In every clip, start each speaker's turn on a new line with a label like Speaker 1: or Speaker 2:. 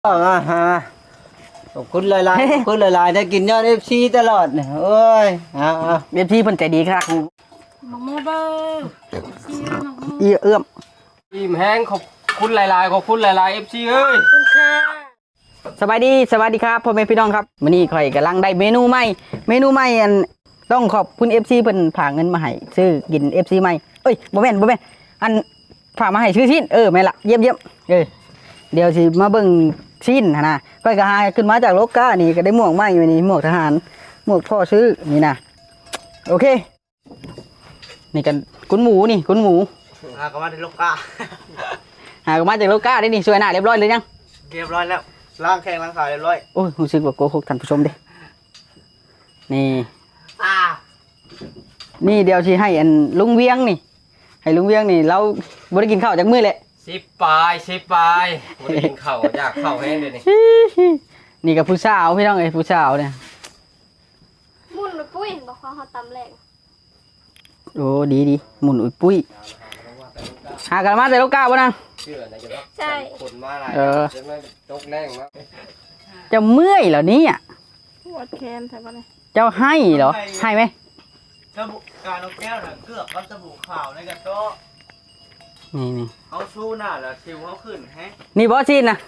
Speaker 1: ฮะขอบคุณหลายๆขอบคุณหลายๆได้กินยอด FC ตลอดเนี่ยโอ้ย
Speaker 2: เว็บที่เพิ่นใจดีครับ
Speaker 3: หมักโมเบอร์
Speaker 2: เอื้อม
Speaker 1: อิ่มแห้งขอบคุณหลายๆขอบคุณหลายๆ FC เอ้ย
Speaker 3: คุณค่ะ
Speaker 2: สวัสดีครับพ่อแม่พี่น้องครับมื้อนี้ข่อยกำลังได้เมนูใหม่อันต้องขอบคุณ FC เพิ่นฝากเงินมาให้ซื้อกิน FC ใหม่เอ้ยบ่แม่นอันฝากมาให้ซื้อชิ้นแม่นละเยี่ยมเดี๋ยวสิมาเบิ่งชิ้นนะข่อยก็หาขึ้นมาจากโลกานี่ก็ได้หมวกใหม่อยู่นี่หมวกทหารหมวกพ่อซื้อนี่นะโอเคนี่กันกุนหมู
Speaker 1: ก็มาในโลกา
Speaker 2: หาก็มาจากโลกาได้นี่สวยหน้าเรียบร้อยเลยยัง
Speaker 1: เรียบร้อยแล้วล้างแข้งล้างขาเรียบร้อย
Speaker 2: โอ้ยรู้สึกว่าโกหกท่านผู้ชมเด้นี่นี่เดี๋ยวสิให้อันลุงเวียงนี่ให้ลุงเวียงนี่เราบ่ได้กินข้าวจากมื้อแหละ
Speaker 1: 10 ปลายบ่ได้กินข้าวอยากข้าวแห้งเด้นี่
Speaker 2: นี่กับผู้สาวพี่น้องเอ้ยผู้สาวเนี่ย
Speaker 3: มุ่นปุ้ยบอกว่าเขาตำแรง
Speaker 2: โอ้ดีหมุนอุ้ยปุ้ยหากันมาแต่โลกาบ่นาง
Speaker 3: ใช่
Speaker 1: คนมาหลายจะไม่ตกแรงมั้ง
Speaker 2: เจ้าเมื่อยเหรอเนี่ย
Speaker 3: ปวดแขนใช่ปะเนี่ย
Speaker 2: เจ้าให้เหรอให้ไหม
Speaker 1: สบู่การเอาแก้วน่ะเกือบกับสบู่ขาวในกระโต๊ะ
Speaker 2: นี่
Speaker 1: เอาสู้หน้าแล้วซิวเขาขึ้นแฮะ
Speaker 2: นี่บอสซีนนะ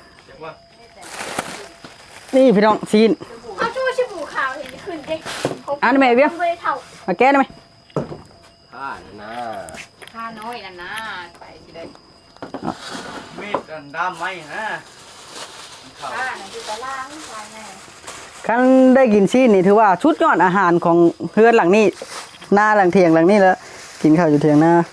Speaker 2: นี่พี่น้องซีน
Speaker 3: เอาชูชิบูขาวเห็นขึ้นเด็ก
Speaker 2: อันนี้ไหมเบี้ยมาแก้ได้ไหม
Speaker 1: ผ้า
Speaker 3: น้อยนะไปทีเดียว
Speaker 1: มีดกันด้ามไม้นะ
Speaker 3: ผ้าน่ะคือตะล่างใช่ไหม
Speaker 2: คันได้กินซีนนี่ถือว่าชุดยอดอาหารของเพื่อนหลังนี้หน้าหลังเทียงหลังนี้แล้วกินข้าวอยู่เทียงหน้า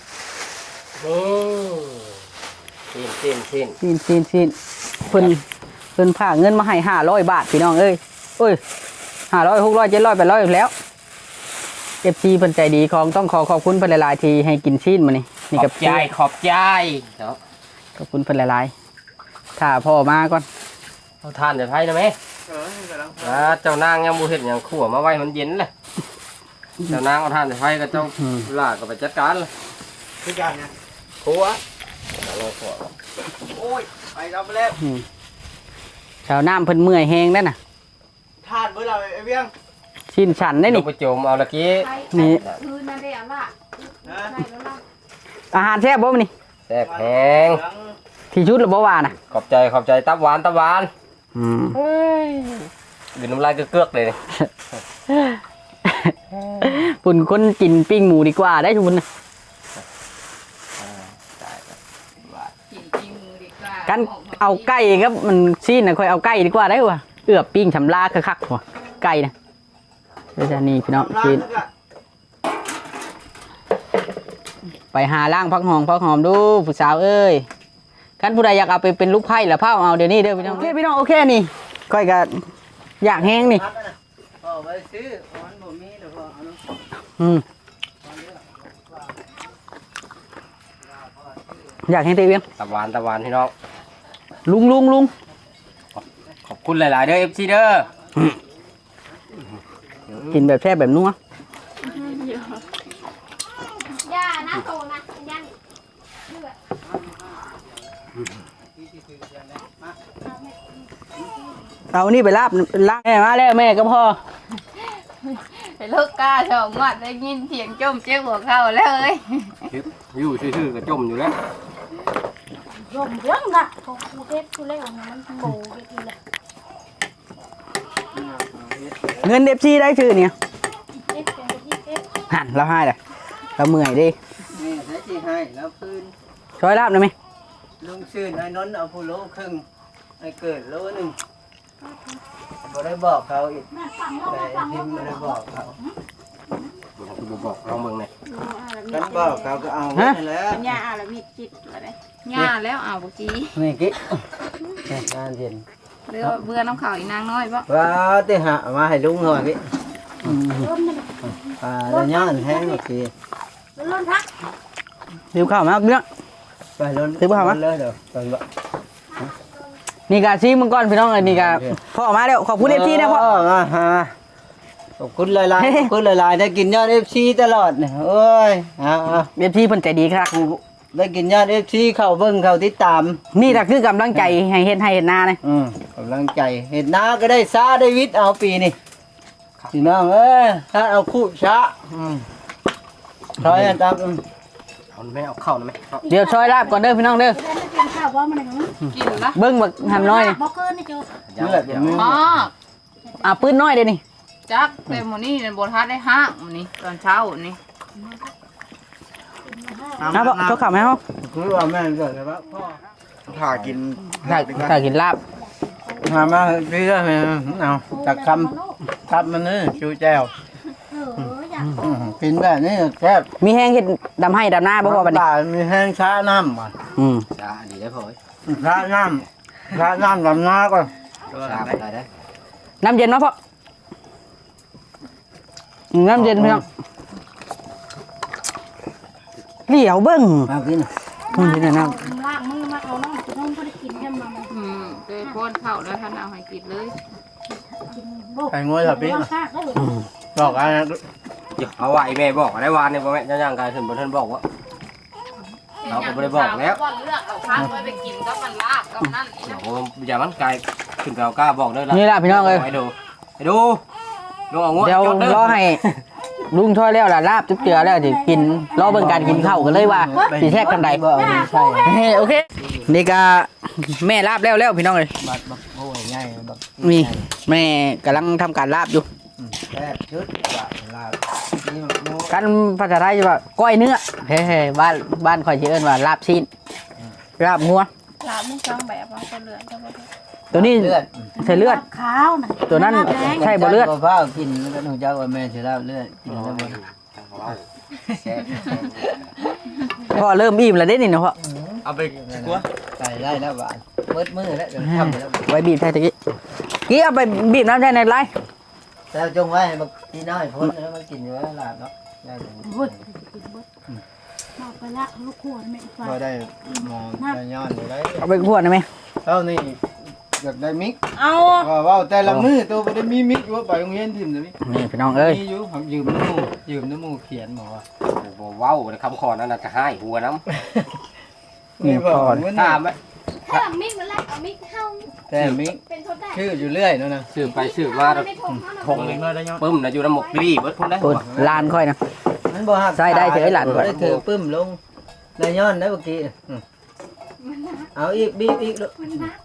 Speaker 2: ซีนเพิ่นผ่าเงินมาให้500 บาทพี่น้องเอ้ย500 600 700 800แล้วFC เพิ่นใจดีของต้องขอบคุณเพิ่นหลายๆที่ให้กินซีนมื้อนี้นี่กับ
Speaker 1: ขอบใจ
Speaker 2: ขอบคุณเพิ่นหลายๆถ้าพ่อมาก่อน
Speaker 1: เอาทานจะไผนะแม่เจ้านางยังบ่เฮ็ดหยังขั่วมาไว้มันเย็นเลยเจ้านางเอาทานจะไผกับเจ้าล่าก็ไปจัดการเลยคือการเนี่ยขั่วโอ้ยไปรับแล้ว
Speaker 2: ชาวน้ำเพิ่นเมื่อยแห้งนั่นน่ะ
Speaker 1: ทานเมื่อเราไอ้เบี้ยง
Speaker 2: ชินฉันได้นี่
Speaker 1: ไปโจมเอาละกี้
Speaker 2: นี่
Speaker 3: คือนั่นได้อ่ะล่ะ
Speaker 2: อาหารแซ่บบ่นี่
Speaker 1: แซ่บแห้ง
Speaker 2: ที่ชุดหรือบ่ว่าน่ะ
Speaker 1: ขอบใจตับหวานดื่มน้ำลายเกือกเลย
Speaker 2: ปุ่นคนกินปิ้งหมูดีกว่าได้ทุกคนกันเอาไก่ครับมันซีนนะค่อยเอาไก่ดีกว่าได้ว่ะเอือบปิ้งชำลาคักๆว่ะไก่นะเดี๋ยวนี่พี่น้องซีนไปหาล่างพักหอมดูผู้สาวเอ้ยกันผู้ใดอยากเอาไปเป็นลูกไผ่หรือเผาเอาเดี๋ยวนี้เด้อพี่น้องโอเคนี่ค่อยกันอยากแห้งนี่อยากแห้งเตี้ย
Speaker 1: ตับหวานพี่น้อง
Speaker 2: ลุง
Speaker 1: ขอบคุณหลายๆเด้อ FC เด้อ
Speaker 2: กินแบบแซ่บแบบนัว
Speaker 3: ย่านะโตนะย่าง
Speaker 2: เอานี่ไปลาบล้างแม่มาแล้วแม่ก็พอ
Speaker 3: ไปเลิกกาชอบงอดได้ยินเสียงจมเจ๊หัวเข้าแล้วเอ้ย
Speaker 1: อยู่ซื่อๆก็จมอยู่แล้ว
Speaker 3: จมเรื่องน่ะเขาคูเทปคูเล่ของมันโบกินเลย
Speaker 2: เงินFCได้ชื่อเนี่ยหันเราให้เลยเราเมื่อยดิ
Speaker 1: นี่ใช้ที่ให้แล้วคืน
Speaker 2: ช่วยลาบได้ไหม
Speaker 1: ลุงชื่อไอ้นนท์เอาผู้โลครึ่งไอ้เกิดโลนึงบ่ได้บอกเขาอีกแต่พิมพ์ไม่ได้บอกเขาบอกเราเมืองไหนกันบอกเขาก็เอาแล้ว
Speaker 3: ย่าแล้วมีจิตอะไรย่าแล้วเอาบุจี
Speaker 2: นี่กิ๊กงานเย็น
Speaker 3: เรือเบื่อน้ำขาวอีนางน้อยปะ
Speaker 1: ว้าวเตะหะมาให้ลุงหน่อยกิ๊กแล้วย่างแห้งโอเค
Speaker 3: ล้นพัก
Speaker 2: หิวข้าวมากเนี่ย
Speaker 1: ไปล้นหิวข้าวมั้ยเลยเดี๋ยวไปบ่
Speaker 2: นี่กาซีมึงก่อนพี่น้องเลยนี่กาพ่อมาแล้วขอบคุณFCนะพ่อ
Speaker 1: ขอบคุณหลายๆขอบคุณหลายๆได้กินยอด FC ตลอดเนี่ยโอ้ย
Speaker 2: FC เพิ่นใจดีครับ
Speaker 1: ได้กินยาเอฟซีเข้าเบิ่งเข้าติดตาม
Speaker 2: นี่ล่ะคือกำลังใจให้เฮ็ดให้เฮ็ดนาเลย
Speaker 1: กำลังใจเห็นนาก็ได้ซาได้วิทย์เอาปีนี่พี่น้องถ้าเอาคู่ช้าถอยตาม
Speaker 4: เอาไม่เอาเข้านะไหม
Speaker 2: เดี๋ยวซอยลาบก่อนเด้อพี่น้องเด้อ
Speaker 3: กินละ
Speaker 2: เบิ่งบักหำน้อยนี่
Speaker 1: เลือดมัน
Speaker 3: มาก
Speaker 2: ปืนน้อยเด้อนี่
Speaker 3: จักแต่มื้อนี้บนทัดได้ห้างมื้อนี้ตอนเช้านี่
Speaker 2: เอาบ่เขาขับให้เฮา
Speaker 1: คือว่าแม่เกิดแล้วพ่อ
Speaker 4: ถ้ากิน
Speaker 2: ถ้ากินลาบ
Speaker 1: หามาพี่ก็เอาจากคำมันนี่ชูแจวกินแบบนี้แซ่บ
Speaker 2: มีแห้งเฮ็ดดำให้ดำหน้าบ่พอบัดนี้
Speaker 1: มีแห้งช้าน้ำก่อน
Speaker 4: ชาดีได้พอ
Speaker 1: ช้าน้ำลำน้าก่อน
Speaker 4: ชาได้ได้
Speaker 2: น้ำเย็นมาพ่อน้ำเย็นพี่น้องเหลียวเบิ่ง
Speaker 1: มากิน
Speaker 2: นี่นะน้
Speaker 5: ล่างมือมาเอาน้องจะต้องก็ได้กินแค่มา
Speaker 3: โดยพ่นเข้าแล้วท่านเอาให้กินเลย
Speaker 1: ไข่งวยสับปี
Speaker 5: ซากได้เลย
Speaker 1: บอกอะไร
Speaker 4: เอาไว้แม่บอกได้วานเนี่ยพ่อแม่ย่างกายถึงบนท่านบอกว่า เราก็ไม่ได้บอกแล้ว
Speaker 3: ว่าเลือกเอาพักไว้ไปกินกับมันลาบกับนั่นอีกนะ
Speaker 4: โอ้อย่ามันกายถึงเรากล้าบอกได้ละ
Speaker 2: ำนี่ล่ะพี่น้องเอ้ย
Speaker 4: ให้ดูดูเอางวด
Speaker 2: เดี๋ยวรอให้ลุงช่วยแล้วล่ะลาบจุ๊บเจือแล้วสิกินรอเบิ่งการกินข้าวกันเลยว่าสิแทกกันใด
Speaker 1: บอกใช่
Speaker 2: โอเคนี่ก็แม่ลาบแล้วพี่น้องเลย
Speaker 1: บัดโอ้ยง่ายบัด
Speaker 2: นี่แม่กำลังทำการลาบอยู่
Speaker 1: แซ่บชุดว่าลานี่มันโม่
Speaker 2: กันภาษาไทยจะว่าก้อยเนื้อเฮ้ยบ้านข่อยสิเอิ้นว่าลาบซีนลาบงัว
Speaker 3: ลาบมึงจังแบบว่าจะเหลือจะบ่ได้
Speaker 2: ตัวนี้
Speaker 1: เลือด
Speaker 2: ใส่เลือด
Speaker 5: ขาวนะ
Speaker 2: ตัวนั้นใช่บ่เลือด
Speaker 1: บ่ฟ้ากินแล้วก็หนูเจ้าว่าแม่สิลาบเลือดกินแล้วบ่
Speaker 2: พ่อเริ่มอิ่มแล้วเด้นี่เนาะพ่อ
Speaker 4: เอาไปกลัว
Speaker 1: ใส่ได้แล้วบาดเบิดมือแล้วเดี๋ยวทำแล้ว
Speaker 2: ไว้บีบใส่ตะกี้กี้เอาไปบีบน้ำใส่ในไร
Speaker 1: แต่จงไว้บักพี่น้อยพ้นแล้วมันกินอยู่แล้วลาบเนาะได้เลย
Speaker 5: บุดมาไปละลูกขวดไม่ไฟ
Speaker 1: บ่ได้หมอได้ย้อนอยู่ได้
Speaker 2: เอาไปขวดได้ไหม
Speaker 1: เท่านี้อยากได้มิก
Speaker 3: เอา
Speaker 1: ว่าแต่ละมือตัวบ่ได้มีมิกอยู่ว่าไปโรงเรียนถิ่มเลย
Speaker 2: นี่พี่น้องเอ้ย
Speaker 1: มีอยู่ผมยืมน้ำมูเขียนบอกว่า
Speaker 4: ว้าวคำขอนั่นน่ะจะให้หัวน้
Speaker 1: นี่บอกว่า
Speaker 4: ำตามไหม
Speaker 5: ถ้ามิกมันแรกเอามิกเข้า
Speaker 1: แต่มิก
Speaker 5: เป็นทดได้
Speaker 1: ชื่ออยู่เรื่อยนั่นนะ
Speaker 4: สืบไปสืบมา
Speaker 5: ไม่ทงเขา
Speaker 4: ทงเลยปึ้มนะอยู่น้ำหมกดีเบิดพุ่นได้
Speaker 2: ปุ่นลานค่อยนะ
Speaker 1: มันบ่ฮัก
Speaker 2: ใส่ได้เฉยหลานก่อน
Speaker 1: ได้ถือปึ้มลงได้ย้อนได้เมื่อกี้เอาอีกบีบอีกลูก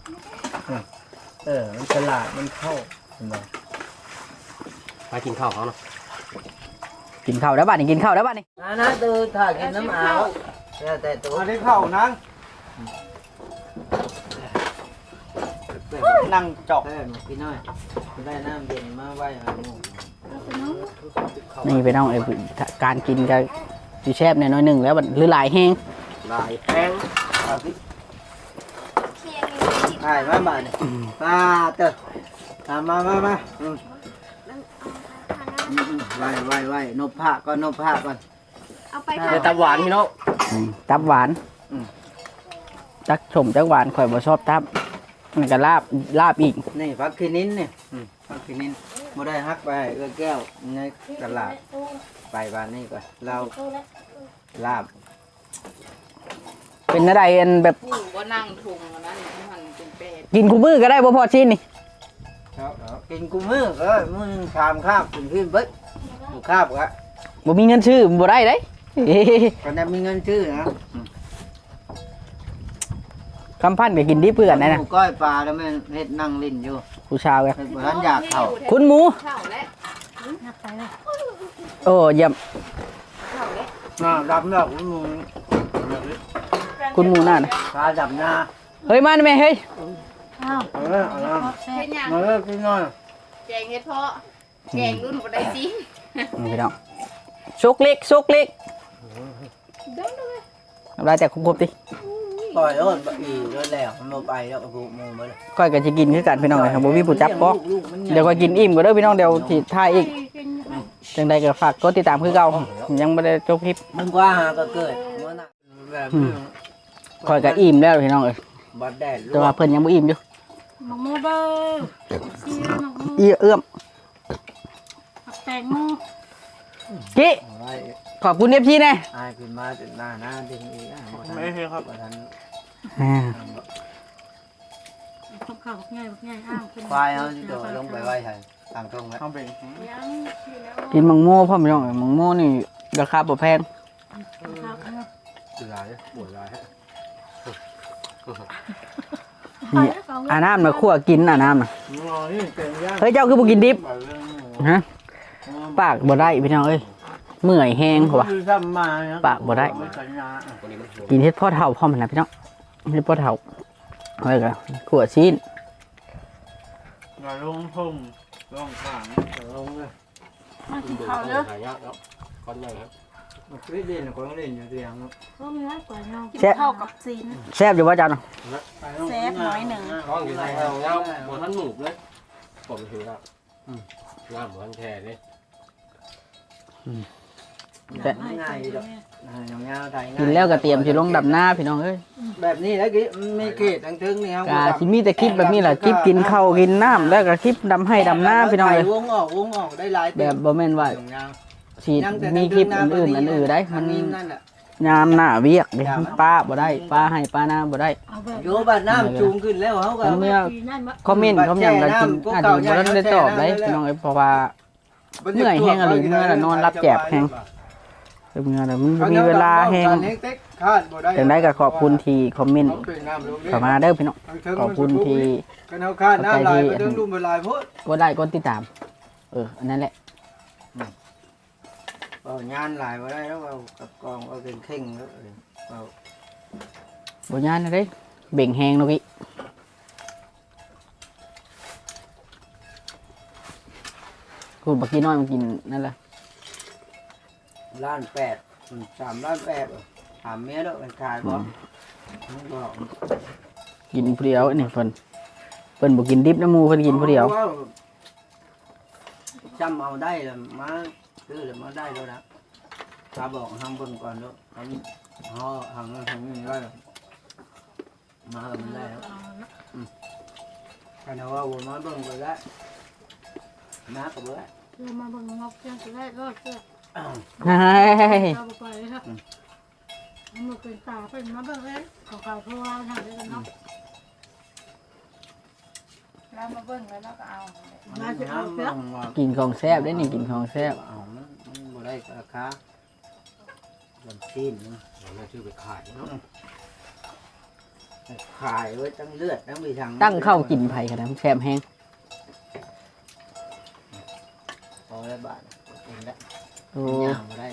Speaker 1: มันฉลาดมันเข้าเห็นบ่
Speaker 4: ไปกินข้าวเขาเนาะ
Speaker 2: กินข้าวแล้วบ้านนี่กินข้าวแล้วบ้านนี่
Speaker 1: นะตัวถ่ายกินน้ำเอาแต่ตัวได้เข้านั่งนั่งจอกได้พี่น้อยได้น้ำเย็นมาไว้หาหมู
Speaker 2: นี่พี่น้องเอ้ยการกินก็สิแซ่บแน่น้อยหนึงแล้วบัดหรือหลายแห้ง
Speaker 4: ลายแห้ง
Speaker 1: ถ่ายมาบ้านมาเตอมาไว้นบผ้าก่อนนบผ้าก่อน
Speaker 5: เอาไป
Speaker 4: เดี๋ยวตาหวานพี่น้อง
Speaker 2: ตับหวานจักชมจักหวานข่อยบ่ชอบตับมันก็ลาบอีก
Speaker 1: นี่ฟักคินินเนี่ยฟักคินินบ่ได้ฮักไปเอื้อแก้วในตลาดไปบ้านนี้ก่อนเราลาบ
Speaker 2: เป็นอะไรอันแบบ
Speaker 3: ผู้ว่านั่งทุงอันนั้นมันเป็นเป็ด
Speaker 2: กินคู่มือก็ได้บ่พอชิ้นนี่
Speaker 1: กินกูมือมือนึงชามข้าวกินขึ้นเบิดข้าวก็
Speaker 2: บ่มีเงินซื้อบ่ได้เด้
Speaker 1: ก็ได้มีเงินชื่อนะ
Speaker 2: คำพันก็กินดีเพื่อนนะ
Speaker 1: หมูก้อยปลาแล้วแม่เฮ็ดนั่งลิ้นอยู่
Speaker 2: ผู้ชาวกัน
Speaker 1: เฮ็ดบ่ทันอยากเข้า
Speaker 2: คุณหมู
Speaker 3: เข้าแล้ว
Speaker 5: หักไปเลย
Speaker 2: โอ้เยี่ยม
Speaker 3: เข้าแล้ว
Speaker 1: รับเนาะคุณหมู
Speaker 2: คุณหมูน่านะ
Speaker 1: ปลาดับหน้า
Speaker 2: เฮ้ยมาหน่อยแม่เฮ้ย
Speaker 5: อ้าว
Speaker 1: เอาละเอาละ
Speaker 5: แซ่
Speaker 3: เป็นยัง
Speaker 1: มาเลยกินหน่อย
Speaker 3: แกงเฮ็ดเพาะแกงรุ่นบ่ได้จริง
Speaker 2: นี่พี่น้องซุกเล็กทำลายแต่ครบๆดิ
Speaker 1: ปล่อยโอนบ่อีโดนแล้วมันบ่ไปแล้วก็ผูกหมูมาเลย
Speaker 2: ค่อยก็จะกินคือกันพี่น้องเลยครับบ่มีผู้จับก็เดี๋ยวก็กินอิ่มก็เด้อพี่น้องเดี๋ยวสิถ่ายอีกจังใดก็ฝากกดติดตามคือเก่ายังบ่ได้จบคลิป
Speaker 1: มันกว่าหาก็เกิดมื้อน่ะแบบ
Speaker 2: ค่อยก็อิ่มแล้วพี่น้องเอ้ย
Speaker 1: บัดแดด
Speaker 2: แต่ว่าเพิ่นยังบ่อิ่มอยู่
Speaker 5: หมกโมเบอร์ซีหมกโม
Speaker 2: เอื้อม
Speaker 5: ผักแตงโม
Speaker 2: จิ
Speaker 1: ไว้
Speaker 2: ขอบคุณ FC แน่
Speaker 1: อายขึ้นมาจนหน้าดึงอีกไม่ใช่ครับท่าน
Speaker 2: อ่า
Speaker 5: ข้าวข้าวง่ายง่ายอ้าว
Speaker 1: ควายเอาที่โดดลงไปไว้ใช่ต่างตรงไหม
Speaker 5: ยัง
Speaker 2: กินมังโม่พ่อพี่น้องมังโม่นี่ราคาบ่แพง
Speaker 4: สุดท้ายปวดร้าย
Speaker 2: นี่อาน้ำน่ะคั่วกินอาน้ำน่ะเฮ้ยเจ้าคือบ่กินดิบฮะปากบ่ได้พี่น้องเอ้ยเมื่อยแห้งว่ะปากบ่ได้ กินเฮ็ดพ่อเฒ่าพร้อมนะพี่น้องเฮ็ดพ่อเฒ่าอะไรกันขั่วชิ้น
Speaker 1: ลงพุ่มลงขางลงเลย
Speaker 5: มากินข้าวเด้อ
Speaker 4: หายากแล้วก้อนใหญ่ครับ
Speaker 1: ไม่เล่นก็ต้องเล่นอยู่เตียง
Speaker 5: ก็มีไว้กว่าน้องกินข้าวกับซีน
Speaker 2: แซ่บอยู่ว่าจัน
Speaker 5: แซ่บน้อยหนึ่ง
Speaker 4: ท้องอยู่ในเงาเงาบนท่านหนูเลยผมถือครับงามบนท่านแท้เลย
Speaker 1: ง่ายดอกเงาไทย
Speaker 2: กินแล้วก็เตรียมสิลงดำหน้าพี่น้องเอ้ย
Speaker 1: แบบนี้แล้วกี่ไม่เกตทั้งทึงนี่ครับ
Speaker 2: กาสิมีแต่คลิปแบบนี้แหละคลิปกินข้าวกินน้ำแล้วก็คลิปดำให้ดำหน้าพี่น้องเอ้ยว
Speaker 1: งออกได้หลาย
Speaker 2: แบบบ่แม่นว่าสิมีคลิปอื่นอันอื่นได้มัน
Speaker 1: นั่นแหละ
Speaker 2: ยามหน้าเวียกเด้ป้าบ่ได้ป้าให้ป้าหน้าบ่ได้
Speaker 5: เอาแบบ
Speaker 1: โยบัดน้ำจูงขึ้นแล้วเขาก็
Speaker 2: อันเมื่อ
Speaker 5: ปีนั่นมา
Speaker 2: คอมเมนต์เขาอย่างก็กินอาจจะบ่ได้ตอบได้พี่น้องเอ้ยเพราะว่าเมื่อยแห้งอะไรเมื่อละนอนรับแจบแห้งเมื่อละมันบ่มีเวลาแห้งจังได๋ก็ขอบคุณที่คอมเมนต์เข้ามาเด้อพี่น้องขอบคุณที่
Speaker 1: กันเอาคาดน้ำลายไปดึงลุ่มลายพุทธ
Speaker 2: กดไลค์กดติดตามอันนั้นแหละ
Speaker 1: เอางานลายมาได้แล้วเอากับกองเอาเป็นเข่งแล้วเอา
Speaker 2: บ่ยานนะเด้เบ่งแหงเนาะพี่คุณบักกี้น้อยมันกินนั่นแหละ
Speaker 1: 1,800,000 3,800,000ถามเมียด้วยมันขายบ่มันบอก
Speaker 2: กินผู้เดียวนี่เพิ่นบ่กินดิบน้ำหมูเพิ่นกินผู้เดียว
Speaker 1: จำเอาได้เลยมาซื้อเลยมาได้แล้วนะตาบอกทำเบิ่งก่อนแล้วทำนี่ได้มาแล้วมันได้แล้วกันว่าวนมาเบิ่งไปแล้วน้ากับเบิ่ง
Speaker 5: เรามาบังงอกเพียงจะได้รอดเสื้อ
Speaker 2: เฮ้ย
Speaker 5: เราไปเลยครับมันเป็นตาเป็นมาเบิ่งเลยขอข่าวเพราะว่าทำได้กันเนาะ
Speaker 3: แล้วมาเบิ่งแล้วเราก็เอา
Speaker 5: มาจะเอาเสื้อ
Speaker 2: กินของแซ่บได้นี่กินของแซ่บ
Speaker 1: เอามันบ่ได้ราคาลำซีน
Speaker 4: แม่ชื่อไปขายเนาะ
Speaker 1: ขายไว้ตั้งเลือดตั้งมีทาง
Speaker 2: ตั้งเข้ากินไผ่ขนาดแซ่บแห้ง
Speaker 1: พอแล้วบาทเองละ
Speaker 2: โอ้
Speaker 1: ย่างมาได้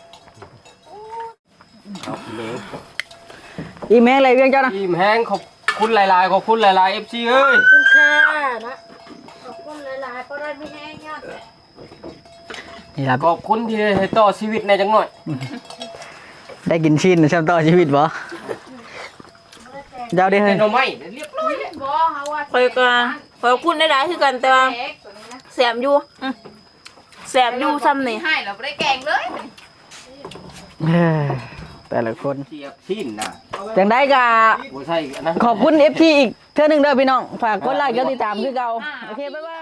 Speaker 4: เอากินเลย
Speaker 2: อีแม่อะไรเวียงเจ้านะ
Speaker 4: อิ่มแห้งขอบคุณหลายๆขอบคุณหลายๆ FC เอ้ย
Speaker 5: คุณค่านะขอบคุณหลายๆก็ได้ไม่แห้งเนี่ย
Speaker 2: นี่ล่ะ
Speaker 4: ขอบคุณที่ให้ต่อชีวิตในจังหน่อย
Speaker 2: ได้กินชิ้นแซ่บต่อชีวิตบ่เจ้าได้เฮ้
Speaker 4: แต่
Speaker 2: ย
Speaker 4: หน่อไม้เรียบร้อย
Speaker 3: บ่เฮาว่า
Speaker 6: คอยก็คอยพูดได้หลายคือกันแต่ว่า
Speaker 3: เล็กตัวนี้นะ
Speaker 6: แสบอยู่แสบอยู่ซ้ำนี่
Speaker 3: ให้เราบ่ได้แกงเลย
Speaker 2: แต่ละคน
Speaker 4: เทียบชิ้นน่ะ
Speaker 2: จังได้กะ
Speaker 4: บ่ใช่อันนั้น
Speaker 2: ขอบคุณ FT อีกเท่านึงเด้อพี่น้องฝากกดไลค์กดติดตามคือเก่าโอเคบ๊ายบาย